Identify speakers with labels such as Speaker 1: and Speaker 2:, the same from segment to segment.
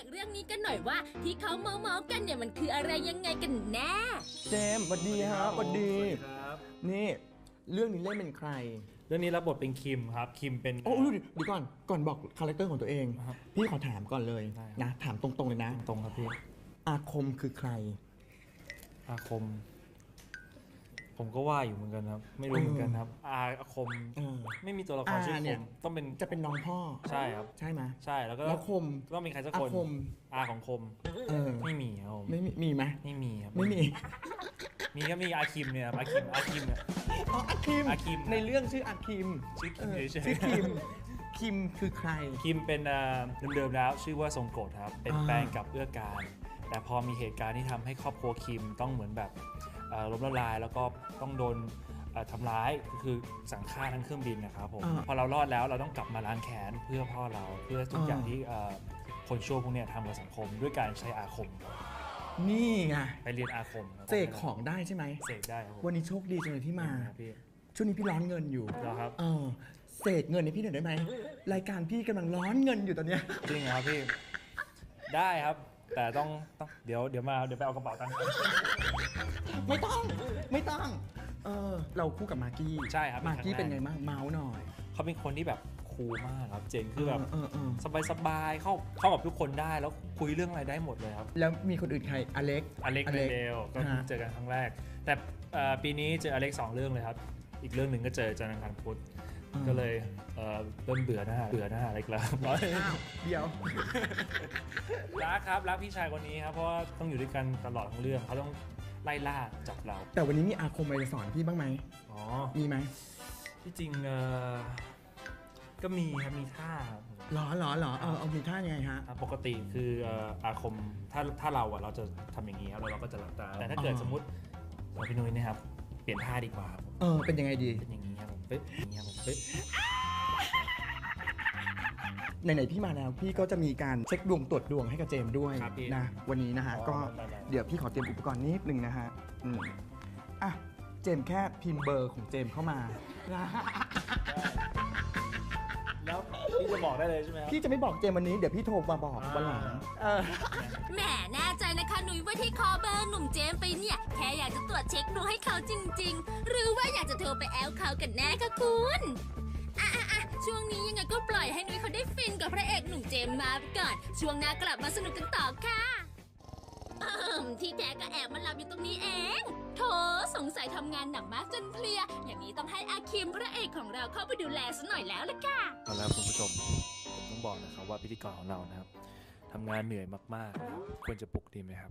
Speaker 1: เรื่องนี้กันหน่อยว่าที่เขาเมากันเนี่ยมันคืออะไรยังไงกันแน่
Speaker 2: เจมส์สวัสดีครับสวัสดี
Speaker 3: ครับ
Speaker 2: นี่เรื่องนี้เล่นเป็นใคร
Speaker 3: เรื่องนี้รับบทเป็นคิมครับคิมเป็น
Speaker 2: โอ้เดี๋ยวก่อนบอกคาแรคเตอร์ของตัวเองพี่ขอถามก่อนเลยนะถามตรงๆเลยนะ
Speaker 3: ตรงครับพี่
Speaker 2: อาคมคือใคร
Speaker 3: อาคมผมก็ว่าอยู่เหมือนกันครับไม่รู้เหมือนกันครับอาคมไม่มีตัวละครชื่อคมต้องเป็น
Speaker 2: จะเป็นน้องพ่อ
Speaker 3: ใช่ครับ
Speaker 2: ใช่ไหม
Speaker 3: ใช่แล้วก็
Speaker 2: คม
Speaker 3: ต้องมีใครสักคนอาของคมไม่มีครับ
Speaker 2: ไม่มีไหม
Speaker 3: ไม่มีครับ
Speaker 2: ไม่มี
Speaker 3: ก็มีอาคิมเนี่ยอาคิมเนี่ย
Speaker 2: อาคิมในเรื่องชื่ออาคิม
Speaker 3: ชื่อ
Speaker 2: คิมคือใคร
Speaker 3: คิมเป็นเดิมๆแล้วชื่อว่าทรงโกรธครับเป็นแฟนกับเอื้อการแต่พอมีเหตุการณ์ที่ทำให้ครอบครัวคิมต้องเหมือนแบบล้มละลายแล้วก็ต้องโดนทำร้ายก็คือสั่งฆ่าทั้งเครื่องบินนะครับผมพอเรารอดแล้วเราต้องกลับมาล้างแค้นเพื่อพ่อเราเพื่อทุกอย่างที่คนชั่วพวกนี้ทำกับสังคมด้วยการใช้อาคม
Speaker 2: นี่ไง
Speaker 3: ไปเรียนอาคม
Speaker 2: เสกของได้ใช่ไหม
Speaker 3: เสกได้ครับ
Speaker 2: วันนี้โชคดีจังเลยที่มาช่วงนี้พี่ร้อนเงินอยู่
Speaker 3: ครับ
Speaker 2: เสกเงินให้พี่หน่อยได้ไหมรายการพี่กำลังร้อนเงินอยู่ตอนเนี้ย
Speaker 3: จริงครับพี่ได้ครับแต่ต้องเดี๋ยวไปเอากระเป๋าตังค์
Speaker 2: ไม่ต้องเราคู่กับมากกี้
Speaker 3: ใช่ครับ
Speaker 2: มากกี้เป็นไงบ้างเมาส์หน่อย
Speaker 3: เขาเป็นคนที่แบบคูลมากครับเจนคือแบบสบายเข้ากับทุกคนได้แล้วคุยเรื่องอะไรได้หมดเลยครับ
Speaker 2: แล้วมีคนอื่นใครอเล็ก
Speaker 3: เดลก็เจอกันครั้งแรกแต่ปีนี้เจออเล็ก2เรื่องเลยครับอีกเรื่องหนึ่งก็เจอจันทร์อังคารพุธก็เลยเริ่มเบื่อหน้าอะไรกันแล้ว
Speaker 2: เดี๋ยว
Speaker 3: รักพี่ชายคนนี้ครับเพราะว่าต้องอยู่ด้วยกันตลอดทั้งเรื่องเขาต้องไล่ล่าจับเรา
Speaker 2: แต่วันนี้มีอาคมอะไรสอนพี่บ้างไหมมีไหม
Speaker 3: ที่จริงก็มีครับมีท่าครับ
Speaker 2: หรอเอามีท่ายังไงฮะ
Speaker 3: ปกติคืออาคมถ้าเราจะทำอย่างนี้ครับแล้วเราก็จะหลับตาแต่ถ้าเกิดสมมติพี่นุ้ยนะครับเปลี่ยนท่าดีกว่า
Speaker 2: เป็นยังไงดี
Speaker 3: เป็นอย่างนี้ครับผมปึ๊บอย่างนี้ครับผมปึ๊บ
Speaker 2: ไหนๆพี่มาแล้วพี่ก็จะมีการเช็คดวงตรวจดวงให้กับเจมด้วยนะวันนี้นะฮะก็เดี๋ยวพี่ขอเตรียมอุปกรณ์นิดนึงนะฮะเจมแค่พิมพ์เบอร์ของเจมเข้ามา
Speaker 3: แล้วพี่จะบอกได้เลยใช่ไหม
Speaker 2: พี่จะไม่บอกเจมวันนี้เดี๋ยวพี่โทรมาบอกวันหลัง
Speaker 1: แหมแน่ใจนะคะหนุ่ยว่าที่คอเบอร์หนุ่มเจมไปเนี่ยแค่อยากจะตรวจเช็คดวงให้เขาจริงๆหรือว่าอยากจะโทรไปแอลเขากันแน่คะคุณช่วงนี้ยังไงก็ปล่อยให้นุ้ยเขาได้ฟินกับพระเอกหนุ่มเจมมาไปก่อนช่วงหน้ากลับมาสนุกกันต่อค่ะที่แท้ก็แอบมาหลับอยู่ตรงนี้เองโถสงสัยทำงานหนักมากจนเพลียอย่างนี้ต้องให้อาคิมพระเอกของเราเข้าไปดูแลซะหน่อยแล้วล่ะค่ะ
Speaker 3: เอาละคุณผู้ชมผมต้องบอกนะครับว่าพิธีกรของเรานะครับทำงานเหนื่อยมากๆนะครับควรจะปลุกดีไหมครับ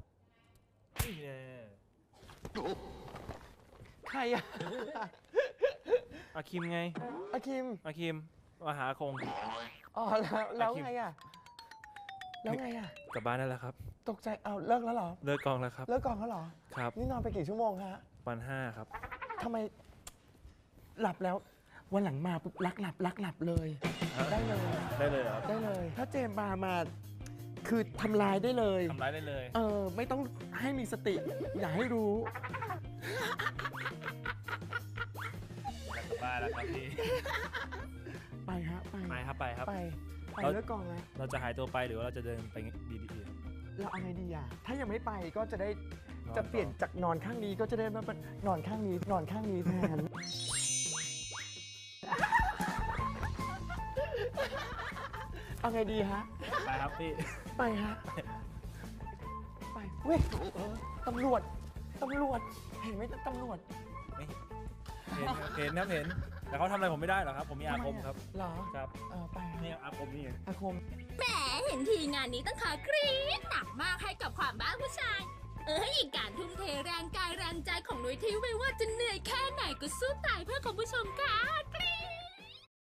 Speaker 2: ใครอะ
Speaker 3: อาคิมไง
Speaker 2: อาคิม
Speaker 3: มาหาคง
Speaker 2: แล้วไงอะ
Speaker 3: กลับบ้านได้แล้วครับ
Speaker 2: ตกใจเลิกแล้วเหรอ
Speaker 3: เลิกกองแล้วครับ
Speaker 2: เลิกกองแล้วเหรอ
Speaker 3: ครับ
Speaker 2: นี่นอนไปกี่ชั่วโมงฮะ
Speaker 3: วัน5ครับ
Speaker 2: ทำไมหลับแล้ววันหลังมาปุ๊บลักหลับเลยได้เลย
Speaker 3: ครับ
Speaker 2: ได้เลยถ้าเจมมาคือทำลายได้เลยไม่ต้องให้มีสติอย่าให้รู้
Speaker 3: กลับบ้านแล้วครับพี่
Speaker 2: ไปครับไปเลิกกองแล้ว
Speaker 3: เราจะหายตัวไปหรือว่าเราจะเดินไปดี
Speaker 2: เราเอาไงดีอ่ะถ้ายังไม่ไปก็จะได้จะเปลี่ยนจากนอนข้างนี้ก็จะได้มานอนข้างนี้แทนเอาไงดีฮะ
Speaker 3: ไปครับพี่
Speaker 2: ไปฮะไปเว้ยตำรวจเห็นไหมตำรวจ
Speaker 3: ไม่เห็นแต่เขาทำอะไรผมไม่ได้หรอกครับผมมีอาคมครับ
Speaker 2: หรอ
Speaker 3: ครับ
Speaker 2: ไป
Speaker 3: นี่อาคมนี่
Speaker 2: อาคม
Speaker 1: แหมเห็นทีงานนี้ต้องขอกรี๊ดหนักมากให้กับความบ้าผู้ชายอีกการทุ่มเทแรงกายแรงใจของนุ้ยที่ไม่ว่าจะเหนื่อยแค่ไหนก็สู้ตายเพื่อคุณผู้ชมค่ะ